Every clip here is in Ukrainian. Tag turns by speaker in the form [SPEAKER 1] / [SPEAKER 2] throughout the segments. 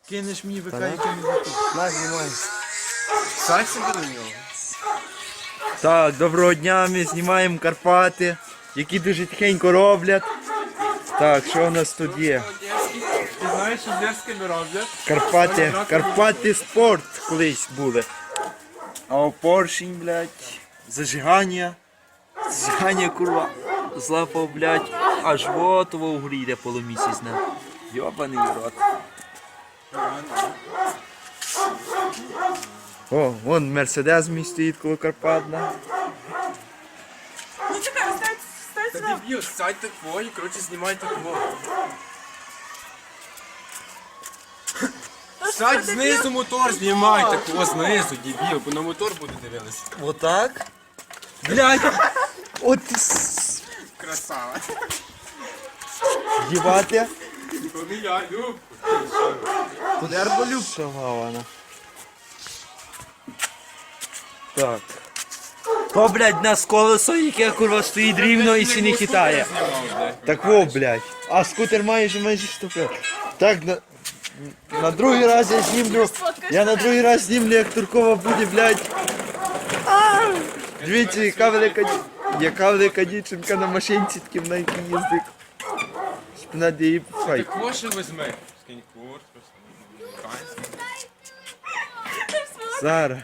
[SPEAKER 1] Кинеш мені ВК, який не закупив.
[SPEAKER 2] На, знімай.
[SPEAKER 1] Сядь собі до нього.
[SPEAKER 2] Так, доброго дня, ми знімаємо Карпати, які дуже тихенько роблять. Так, що у нас тут є?
[SPEAKER 1] Ти знаєш, що з Дерськими роблять?
[SPEAKER 2] Карпати спорт колись були. А у поршень, блядь, зажигання, курва, злапав, блядь, аж готово в грі йде полумісяцьне. Йобаний рот. О, вон Мерседес мій стоїть коло Карпат, да?
[SPEAKER 3] Ну чекай, стань
[SPEAKER 1] Та
[SPEAKER 3] сюди.
[SPEAKER 1] дебіл, сядь так твої, коротше, знімай так во. Сядь знизу мотор, знімай так во знизу, дебіл, бо на мотор буде дивитися.
[SPEAKER 2] Отак? Блядь! От
[SPEAKER 1] Красава.
[SPEAKER 2] дівати.
[SPEAKER 1] То не я, Люб.
[SPEAKER 2] Тут ерболюб вона. Так. То, блядь, нас колесо, яке курва стоїть рівно і сі не хитає. Так во, блядь. А скутер майже штука. Так, на другий раз я знімлю. Я на другий раз знімлю, як Туркова буде, блядь. Дивіться, яка велика дівчинка на машинці таким на якій їздить. Спина де її пхай.
[SPEAKER 1] Так во ще візьми. Скинь курс,
[SPEAKER 2] Зараз.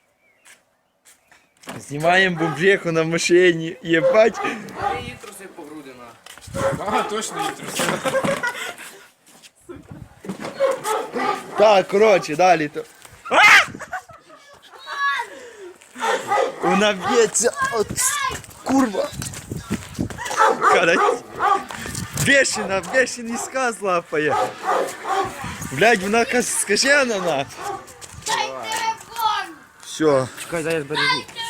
[SPEAKER 2] Знімаємо бомжеху на машині. Єбать.
[SPEAKER 4] Її труси по груди на.
[SPEAKER 1] Ага, точно її трусила.
[SPEAKER 2] Так, коротше, далі то. Вона б'ється от курва. Карать. Бешений сказ лапає. Блядь, вона скажена на.
[SPEAKER 5] Дай телефон!
[SPEAKER 2] Все.
[SPEAKER 4] Чекай, зараз бережу.